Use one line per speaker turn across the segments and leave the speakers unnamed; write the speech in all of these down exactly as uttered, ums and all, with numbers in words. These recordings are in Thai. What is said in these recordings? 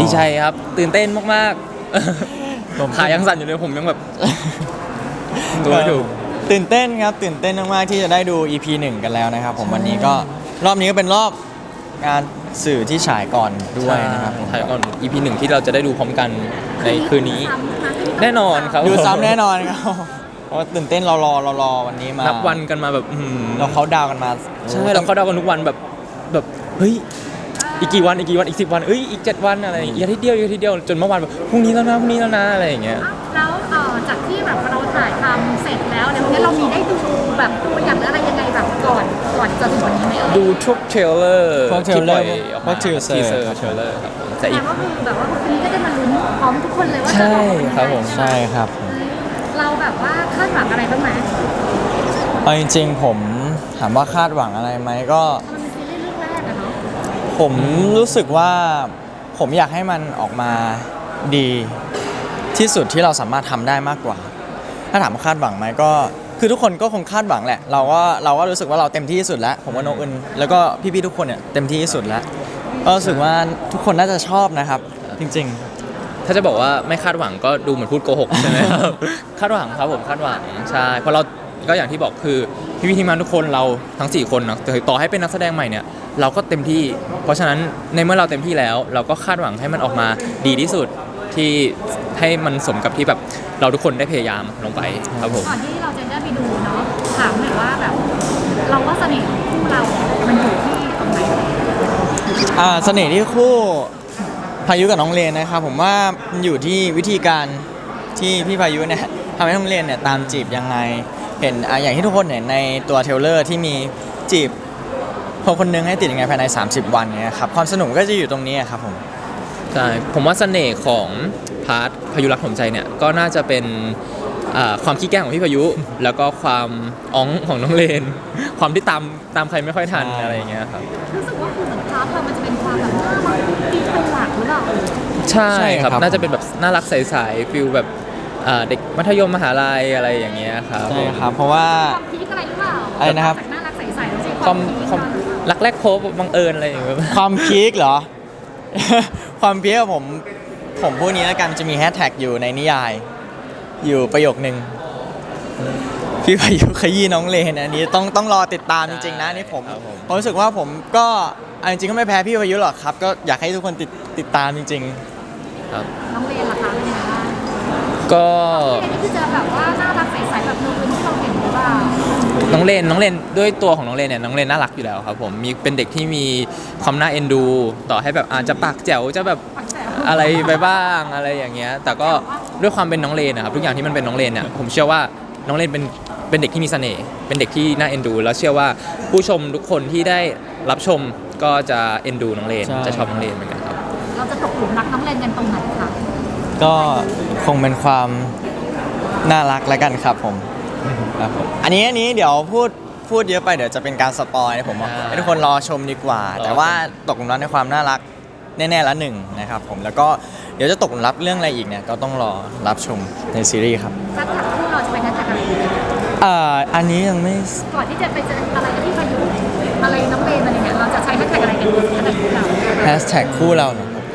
ใจครับตื่นเต้นมากๆผมขายังสั่นอยู่เลยผมยังแบบตัวไม่ถูก
ตื่นเต้นครับตื่นเต้นมากๆที่จะได้ดู อี พี หนึ่งกันแล้วนะครับผมวันนี้ก็รอบนี้ก็เป็นรอบงานสื่อที่ฉายก่อนด้วยนะครับ
ฉายก่อน อี พี หนึ่งที่เราจะได้ดูพร้อมกันในคืนนี้แน่นอนครับ
ดูซ้ำแน่นอนครับเพราะตื่นเต้นรอรอรอรอวันนี้มา
นับวันกันมาแบบ
เราเขาดาวกันมา
ใช่เราเขาดาวกันทุกวันแบบแบบเฮ้ยอีกกี่วันอีกกี่วันอีกสิบวันเอ้ยอีกเจ็ดวันอะไรอีกอาทิตย์เดียวอีกอาทิตย์เดียวจนเมื่อวานแบบพรุ่งนี้แล้วนะพรุ่งนี้แล้วนะอะไรอย่างเงี้ย
แล้วจากที่แบบเราถ่ายทำเสร็จแล้วเนี่ยวันนี้เรามีได้ดูแบบตัวอย่างหรืออะไรยังไงแบบก่อนก่อนจะถึงวันนี้ไหม
ดูทุกเทรลเลอร์
พวกเทรลเลอร์พวกทีเซอร์
เทรลเลอร์ครับ
แต่อีกก็คือแบบว่าวันนี้ก็จะมาลุ้นพร้อมทุกคนเลยว่าจะ
ใช่ครับผม
ใช่ครับ
เราแบบว่าคาดหวังอะไรบ้างไหม
เอาจริงๆผมถามว่าคาดหวังอะไรไหมก็
มันเป็นซีรีส์เรื่องแรกอะเนาะ
ผมรู้สึกว่าผมอยากให้มันออกมาดีที่สุดที่เราสามารถทำได้มากกว่าถ้าถามว่าคาดหวังไหมก็คือทุกคนก็คงคาดหวังแหละเราก็เราก็รู้สึกว่าเราเต็มที่ที่สุดแล้วผมว่าน้องอึนแล้วก็พี่ๆทุกคนเนี่ยเต็มที่ที่สุดแล้วก็รู้สึกว่าทุกคนน่าจะชอบนะครับจริง
ๆถ้าจะบอกว่าไม่คาดหวังก็ดูเหมือนพูดโกหกใช่ไหมครับคาดหวังครับผมคาดหวังใช่เพราะเราก็อย่างที่บอกคือพี่ๆทีมงานทุกคนเราทั้งสี่คนนะต่อให้เป็นนักแสดงใหม่เนี่ยเราก็เต็มที่เพราะฉะนั้นในเมื่อเราเต็มที่แล้วเราก็คาดหวังให้มันออกมาดีที่สุดที่ให้มันสมกับที่แบบเราทุกคนได้พยายามลงไปครับผม
ก่อนที่เราจะได้ไปดูเนาะถามหน่อยว่าแบบเราว่าเสน่ห์ของคู่เรามันอยู่ที่ตรงไหน
อ่าเสน่ห์ที่คู่พายุกับน้องเลนนะครับผมว่ามันอยู่ที่วิธีการที่พี่พายุเนี่ยทำให้น้องเลนเนี่ยตามจีบยังไงเห็นอ่าอย่างที่ทุกคนเห็นในตัวเทรลเลอร์ที่มีจีบคนคนนึงให้ติดยังไงภายในสามสิบวันเนี่ยครับความสนุกก็จะอยู่ตรงนี้ครับผม
ใช่ผมว่าเสน่ห์ของพาร์ทพายุรักผมใจเนี่ยก็น่าจะเป็นความขี้แกล้งของพี่พายุแล้วก็ความอ้องของน้องเลนความที่ตามตามใครไม่ค่อยทันอะไรอย่างเงี้ยครับ
รู้สึกว่าคือเหมือนพาร์ทเรามันจะเป็นความแบบน่ารักตีเป็นหลักหรือเปล่า
ใช่ครับน่าจะเป็นแบบน่ารักใสๆฟิลแบบเด็กมัธยมมหาลัยอะไรอย่างเงี้ยครับ
ใช่ครับเพราะว่า
ความพีคอะไรหรือเปล่า
อะไรนะครับ
น่ารักใสๆแล้วสิ
ความความรักแรกพบบังเอิญอะไรอย่างเงี้ย
ความพีคเหรอความพีคผมผมพูดนี้แล้วกันจะมีแฮชแท็กอยู่ในนิยายอยู่ประโยคนึงพี่พายุขยี้น้องเลนอันนี้ต้องต้องรอติดตามจริงๆนะนี่ผมผมรู้สึกว่าผมก็จริงๆก็ไม่แพ้พี่พายุหรอกครับก็อยากให้ทุกคนติดติดตามจริง
ๆครับ
น้องเลนล่ะคะเป็นยังไงบ้าง
ก็
นี่คือจะแบบว่าน่ารักใสๆแบบนูนที่เราเห็นหรือเปล่า
น้องเลนน้องเลนด้วยตัวของน้องเลนเนี่ยน้องเลนน่ารักอยู่แล้วครับผมมีเป็นเด็กที่มีความน่าเอ็นดูต่อให้แบบอาจจะปากแจ๋วจะแบบอะไรไปบ้างอะไรอย่างเงี้ยแต่ก็ด้วยความเป็นน้องเลนนะครับทุกอย่างที่มันเป็นน้องเลนเนี่ยผมเชื่อว่าน้องเลนเป็นเป็นเด็กที่มีเสน่ห์เป็นเด็กที่น่าเอ็นดูแล้วเชื่อว่าผู้ชมทุกคนที่ได้รับชมก็จะเอ็นดูน้องเลนจะชอบน้องเลนเหมือนกันครับ
เราจะตกหลุมรักน้องเลนกันตรงไหนคะ
ก็คงเป็นความน่ารักแล้วกันครับผมครับผมอันนี้อันนี้เดี๋ยวพูดพูดเยอะไปเดี๋ยวจะเป็นการสปอยผมให้ทุกคนรอชมดีกว่าแต่ว่าตกหลุมรักในความน่ารักแน่ๆละหนึ่งนะครับผมแล้วก็เดี๋ยวจะตกหลุมรักเรื่องอะไรอีกเนี่ยก็ต้องรอรับชมในซีรีส์ครับ
แฮชแท็กคู่เราจะเป็นแฮชแท็กอะไร
อ่าอันนี้ยังไม่
ก่อนที่จะไปเจออะไรที่พายุอะไรน้องเลนอะไรเนี่ยเราจะใช้แฮชแท็กอะไรกันแฮชแท็กคู่เรา
แฮชแท็กคู่เราเหรอครับ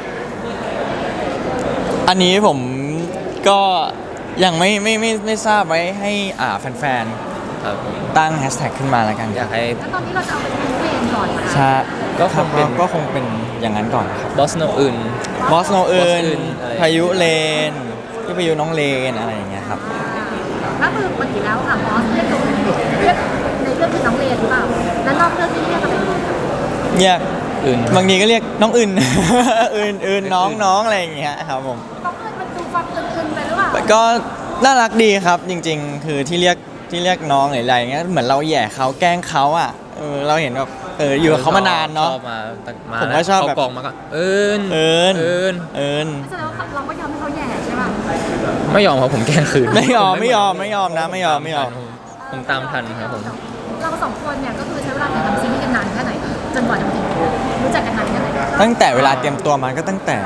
อันนี้ผมก็ยังไม่ไม่ไม่ไม่ทราบไว้ให้อ่าแฟนๆตั้งแฮชแท็กขึ้นมาแล้วกัน
อยากให้แล้วตอนนี้เราจะเอาเป็นน้องเลนก่อน
ใช่ก็คงเป็นก็คงเป็นอย่างนั้นก่อนครับ
บอสโนอื่น
บอสโนอื่นพายุเลนที่พายุน้องเลนอะไรอย่างเงี้ยครับ
ถ้าคือปกติแล้วค่ะบอสเรียกตัวเรียกในเรื่องคือน้องเลนหรือเปล่าแล้วนอกเรื่องที่เรียกอะไร
เรียกอื่นบางทีก็เรียกน้องอื่นอื่นอื่นน้องน้องอะไรอย่างเงี้ยครับผม
น้องอื่นมันดูฟังอื่นๆไปหรือเปล่า
ก็น่ารักดีครับจริงๆคือที่เรียกที่เรียกน้องหรืออะไรเงี้ยเหมือนเราแย่เขาแกล้งเขาอ่ะเออเราเห็นแบบเอออยู่กับเขามานานเนาะผมก็ชอบแบบ
กองมาก็เอิญ
เอิญ
เอิญ
เอิญ
แสดงว่าเราก็ยอมให้เขาแย่ใช่ป่ะ
ไม่ยอมครับผมแกล้งคืน
ไม่ยอมไม่ยอมไม่ยอมนะไม่ยอมไม่ยอม
ผมตามทันครับผม
เราสองคนเนี่ยก็คือใช้เวลาในการทำซีรีส์กันนานแค่ไหนจนกว่าจะมาถึงรู้จักกันนานแค่ไหน
ตั้งแต่เวลาเตรียมตัวมันก็ตั้งแต่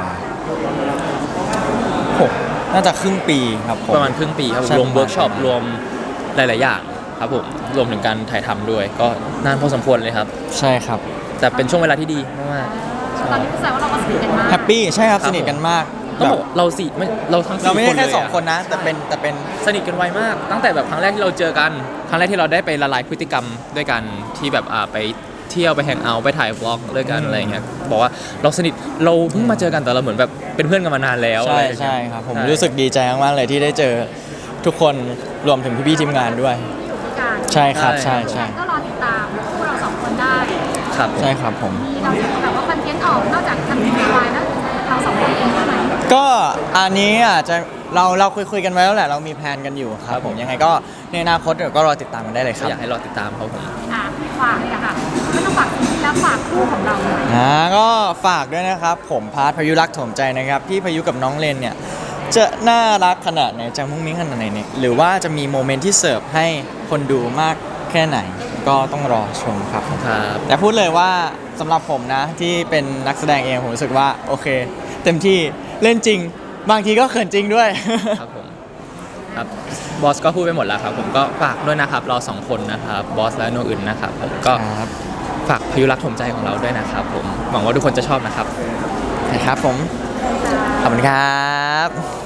หกน่าจะครึ่งปีครับ
ประมาณครึ่งปีครับรวมเวิร์กช็อปรวมหลายๆอย่างครับผมรวมถึงการถ่ายทำด้วยก็นานพอสมควรเลยครับ
ใช่ครับ
แต่เป็นช่วงเวลาที่ดีมาก
ๆตอนนี้แสดงว่าเราก็สนิทกันมาก
แฮปปี้ใช่ครับ
ครับ
สนิทกันมาก
ต้อง
แบบ
บอกเราสี่ไม่เราทั้ง
เรา
สี่
ไม่
ค
ได้
น
แค่
เลย
สอง
อะ
คนนะ แต่เป็นแต่เป็น
สนิทกันไวมาก ตั้งแต่แบบครั้งแรกที่เราเจอกัน ครั้งแรกที่เราได้ไปละลายพฤติกรรมด้วยกันที่แบบอ่าไปเที่ยวไปแฮงเอาท์ไปถ่ายวอล์กด้วยกันอะไรอย่างเงี้ยบอกว่าเราสนิทเราเพิ่งมาเจอกันแต่เราเหมือนแบบเป็นเพื่อนกันมานานแล้ว
ใช่
อะไรอย่างเงี้ย
ใช่ครับ ผม
ใช่
รู้สึกดีใจมากๆเลยที่ได้เจอทุกคนรวมถึงพี่ๆทีมงานด้วย
อยู่ด้วยกัน
ใช่ครับใช่ใช่
ก็รอติดตามคู่เราสองคนได้
ครับ
ใช่ครับผม
มีเราจะมีแบบว่าคอนเทนต์ออกนอกจากทำทีวีวายแล้วเราสองคนเองใช่ไหม
ก็อันนี้อาจจะเราเราคุยคุยกันไว้แล้วแหละเรามีแพลนกันอยู่ครับผมยังไงก็ในอนาคตเดี๋ยวก็รอติดตามกันได้เลยค
ก็
รับ
อยากให้รอติดตามเขาผม
อ่ะฝากเลยอะค่ะไม่ต้องฝากซีรีส์แล้วฝากคู่ของเราหน่อย
อ่าก็ฝากด้วยนะครับ ผมพาร์ทพายุรักโถมใจนะครับพี่พายุกับน้องเลนเนี่ยจะน่ารักขนาดไหนจะมุ้งมิ้งขนาดไหนเนี่ยหรือว่าจะมีโมเมนต์ที่เสิร์ฟให้คนดูมากแค่ไหน ก็ต้องรอชมครับ
ครับ
แต่พูดเลยว่าสำหรับผมนะที่เป็นนักแสดงเองผมรู้สึกว่าโอเค เต็มที่เล่นจริง บางทีก็เขินจริงด้วย
ครับผมครับบอสก็พูดไปหมดแล้วครับผมก็ฝากด้วยนะครับเราสองคนนะครับบอสและโนอื่นนะครับผมก็
ครับ
ฝากพายุรักถมใจของเราด้วยนะครับผมหวังว่าทุกคนจะชอบนะครับ
นะครับผม ขอบคุณครับ